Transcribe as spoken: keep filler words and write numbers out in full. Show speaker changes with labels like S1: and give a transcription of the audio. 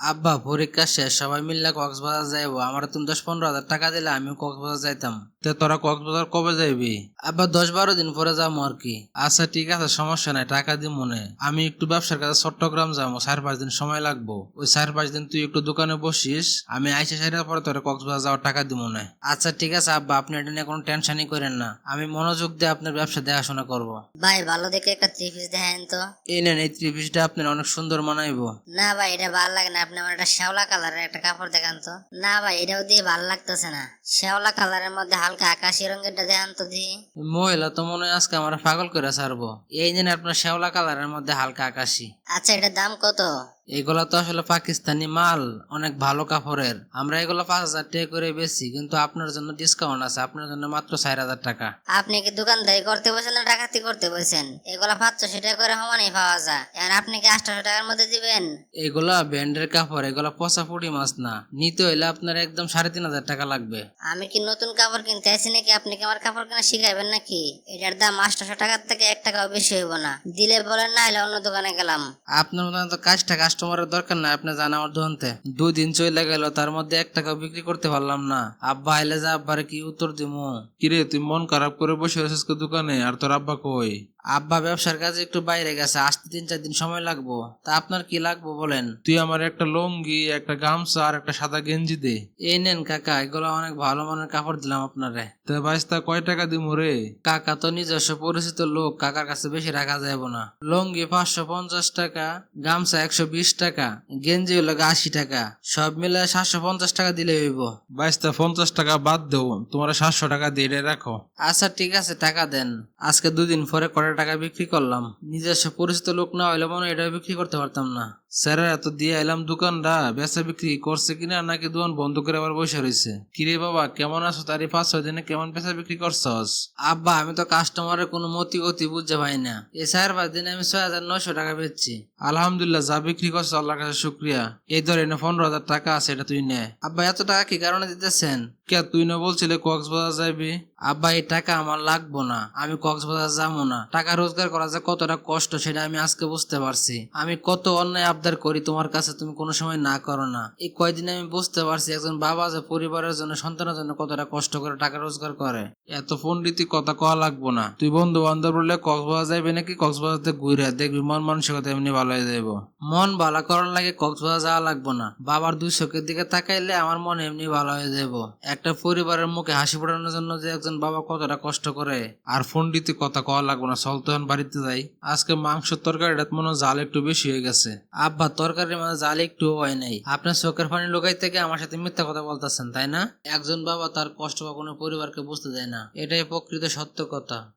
S1: আব্বা পরীক্ষা শেষ, সবাই মিললে কক্সবাজার যাইবো। আমার তুমি দশ পনেরো হাজার টাকা দিলে আমিও কক্সবাজার যাইতাম।
S2: তে তোরা কক্সবাজার কবে যাইবি?
S1: আব্বা দশ বারো দিন পরে যাবো আর কি।
S2: আচ্ছা ঠিক আছে, সমস্যা নাই, টাকা দি মনে। আমি একটু ব্যবসার কাছে চট্টগ্রাম যাবো, চার পাঁচ দিন সময় লাগবো। ওই চার পাঁচ দিন তুই একটু দোকানে বসিস, আমি আইসা সাইডার পরে তোরা কক্সবাজার যাওয়ার টাকা দি মনে।
S1: আচ্ছা ঠিক আছে আব্বা, আপনি এটা নিয়ে কোনো টেনশনই করেন না, আমি মনোযোগ দিয়ে আপনার ব্যবসা দেখাশোনা করব।
S3: ভাই ভালো দেখে একটা থ্রি পিস দেখেন তো।
S1: এই নেন, এই থ্রি পিসটা আপনার অনেক সুন্দর মানাইবো।
S3: না ভাই এটা ভালো লাগে না, আপনি আমার একটা শ্যাওলা কালারের একটা কাপড় দেখান তো। না ভাই এটাও দিয়ে ভালো লাগতেছে না, শ্যাওলা কালারের মধ্যে হালকা আকাশি রঙেরটা দেখান তো দি।
S1: মহিলা তো মনে হয় আজকে আমার পাগল করে ছাড়বো। এই নেন আপনার শ্যাওলা কালারের মধ্যে হালকা আকাশি।
S3: আচ্ছা এটার দাম কত?
S1: এগুলা তো আসলে পাকিস্তানি মাল, অনেক ভালো কাপড়ের। আমরা এগুলো পাঁচ হাজার টাকা করে বেশি, কিন্তু আপনার জন্য ডিসকাউন্ট আছে, আপনার জন্য মাত্র চার হাজার টাকা।
S3: আপনি কি দোকানদারি করতে বসেন না ডাকাতি করতে বসেন? এগুলা পাঁচশো টাকা করে সমানই পাওয়া যায়, আর আপনি কি আটশো টাকার মধ্যে দিবেন?
S1: এগুলা ব্যান্ডের কাপড়, এগুলা পচা পুটি মাছ না। নিতে হইলে আপনার একদম সাড়ে তিন হাজার টাকা লাগবে।
S3: আমি কি নতুন কাপড় কিনতে আছি নাকি? আপনি কি আমার কাপড় কেনা শিখাইবেন নাকি? এটার দাম আটশো টাকার থেকে এক টাকাও বেশি হইব না। দিলে বলেন, না হলে অন্য দোকানে গেলাম।
S1: আপনার মতো তো কাজটা কাস্টমারের দরকার নাই, আপনি জানা আমার দোকানতে দুই দিন চলে গেল, তার মধ্যে এক টাকাও বিক্রি করতে পারলাম না। আব্বা আইলে যা আব্বারে কি উত্তর দিমু?
S2: কিরে তুই মন খারাপ করে বসে আছিস কে দোকানে? আর তোর আব্বা কই?
S1: আব্বা ব্যবসার কাজে একটু বাইরে গেছে, আসতে তিন চার দিন সময় লাগবো। তা আপনার কি লাগবো বলেন?
S2: তুই আমার একটা লুঙ্গি, একটা গামছা আর একটা সাদা গেঞ্জি দে।
S1: এই নেন কাকা, এগুলো অনেক ভালো মানের কাপড় দিলাম আপনারে।
S2: তে বাইস্তা কয় টাকা দিমু রে?
S1: কাকা তো নিজস্ব পরিচিত লোক, কাকার কাছে বেশি রাখা যাব না। লুঙ্গি পাঁচশো পঞ্চাশ টাকা, গামছা একশো বিশ টাকা, গেঞ্জি হলো আশি টাকা, সব মিলে সাতশো পঞ্চাশ টাকা দিলে হইব।
S2: বাইস্তা পঞ্চাশ টাকা বাদ দেও, তোমার সাতশো টাকা দিয়ে এটা রাখো।
S1: আচ্ছা ঠিক আছে, টাকা দেন। আজকে দুদিন পরে কটা টাকা বিক্রি করলাম, নিজস্ব পরিচিত লোক না হইলে মনে হয় এটা বিক্রি করতে পারতাম না।
S2: স্যারের এত দিয়ে এলাম, দোকানটা বেচা বিক্রি করছে কিনা নাকি দোকান বন্ধ করে আবার বসে রয়েছে? কিরে বাবা কেমন আছো? তারই পাঁচ ছয় দিনে কেমন বেচা বিক্রি করছস?
S1: আব্বা আমি তো কাস্টমারের কোনো মতি গতি বুঝতে পাই না, এই চার পাঁচ দিনে আমি ছয় হাজার নয়শো টাকা বেচছি।
S2: আলহামদুলিল্লাহ, যা বিক্রি করছো আল্লাহর কাছে শুক্রিয়া। এই ধর এনে পনেরো হাজার টাকা আছে, এটা তুই নে।
S1: আব্বা এত টাকা কি কারণে দিতেছেন?
S2: কে তুই না বলছিলে কক্সবাজার যাবি?
S1: আব্বা এই টাকা আমার লাগবো না, আমি কক্সবাজার যাবো না। টাকা রোজগার করা যে কতটা কষ্ট সেটা আমি আজকে বুঝতে পারছি। আমি কত অন্যায় আবদার করি তোমার কাছে, তুমি কোনো সময় না করো না। এই কয়দিনে আমি বুঝতে পারছি একজন বাবা যে পরিবারের জন্য, সন্তানের জন্য কতটা কষ্ট করে টাকা রোজগার করে।
S2: এত পন্ডিতি কথা কওয়া লাগবো না। তুই বন্ধু বান্ধব বললে কক্সবাজার যাবি নাকি? কক্সবাজারতে ঘুরে দেখবি মন মানসিকতা এমনি ভালো হয়ে যাবো।
S1: মন ভালো করার লাগে কক্সবাজার যাওয়া লাগবো না, বাবার দুই চোখের দিকে তাকাইলে আমার মন এমনি ভালো হয়ে যাবো। একটা পরিবারের মুখে হাসি ফোটানোর জন্য যে একজন বাবা কতটা কষ্ট করে।
S2: আর পন্ডিতি কথা কওয়া লাগবো না, চল তো এখন বাড়িতে যাই। আজকে মাংসের তরকারিটা মনে হয় জাল একটু বেশি হয়ে গেছে।
S1: আব্বা তরকারির মাঝে জাল একটু হয় নাই, আপনার চোখের পানি লুকাই থেকে আমার সাথে মিথ্যা কথা বলতেছেন তাই না? একজন বাবা তার কষ্ট কখনো পরিবারকে বুঝতে দেয় না, এটাই প্রকৃত সত্য কথা।